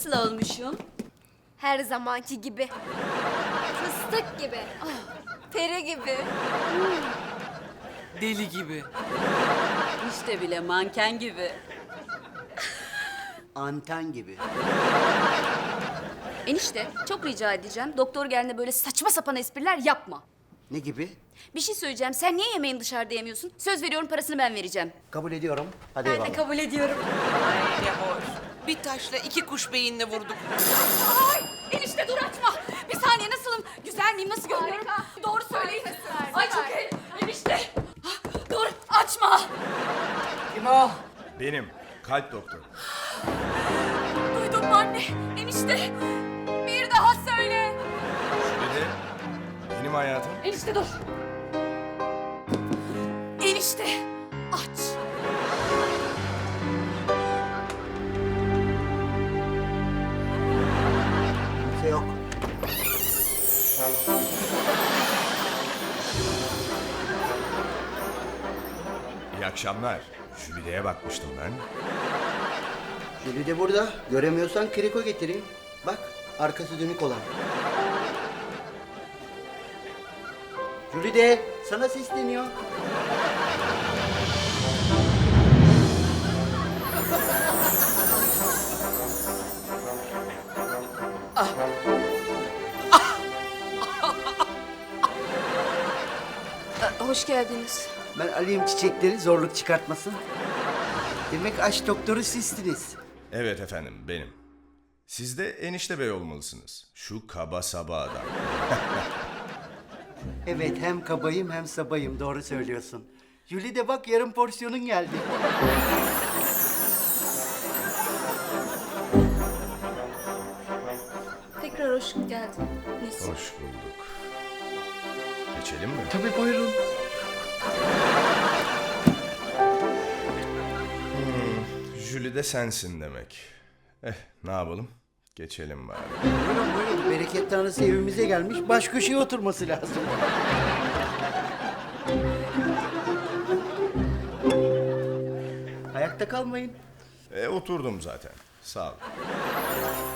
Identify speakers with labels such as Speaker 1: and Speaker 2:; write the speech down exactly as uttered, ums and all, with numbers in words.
Speaker 1: Nasıl olmuşum?
Speaker 2: Her zamanki gibi. Fıstık gibi. Peri gibi.
Speaker 3: Deli gibi.
Speaker 1: İşte bile manken gibi.
Speaker 4: Anten gibi.
Speaker 1: Enişte çok rica edeceğim. Doktor geldiğinde böyle saçma sapan espriler yapma.
Speaker 4: Ne gibi?
Speaker 1: Bir şey söyleyeceğim. Sen niye yemeğini dışarıda yemiyorsun? Söz veriyorum parasını ben vereceğim.
Speaker 4: Kabul ediyorum. Hadi
Speaker 2: Ben
Speaker 4: eyvallah.
Speaker 2: de kabul ediyorum.
Speaker 3: Ay ne hoş. Bir taşla iki kuş beyinle vurduk.
Speaker 1: Ay enişte dur açma. Bir saniye nasılım? Güzel miyim? Nasıl görünüyorum? Doğru söyleyin. Ay çok iyi. Enişte. Ah, dur açma.
Speaker 4: Kim o?
Speaker 5: Benim. Kalp doktoru.
Speaker 1: Duydun mu anne? Enişte. Bir daha söyle.
Speaker 5: Bir de benim hayatım.
Speaker 1: Enişte dur. Enişte aç.
Speaker 4: Kimse yok.
Speaker 5: İyi akşamlar. Jülide'ye bakmıştım ben.
Speaker 4: Jüli de burada. Göremiyorsan kriko getireyim. Bak, arkası dönük olan. Jüli de sana sesleniyor.
Speaker 1: Hoş geldiniz.
Speaker 4: Ben alayım çiçekleri, zorluk çıkartmasın. Demek aşk doktoru sizsiniz.
Speaker 5: Evet efendim, benim. Siz de enişte bey olmalısınız. Şu kaba saba adam.
Speaker 4: Evet, hem kabayım hem sabayım. Doğru söylüyorsun. Jüli de bak, yarım porsiyonun geldi.
Speaker 1: Tekrar hoş geldiniz.
Speaker 5: Hoş bulduk. Geçelim mi?
Speaker 4: Tabii, buyurun.
Speaker 5: Jülide sensin demek. Eh, ne yapalım? Geçelim bari.
Speaker 4: Buyurun buyurun. Bereket tanrısı evimize gelmiş. Baş köşeye oturması lazım. Ayakta kalmayın.
Speaker 5: E, oturdum zaten. Sağ ol.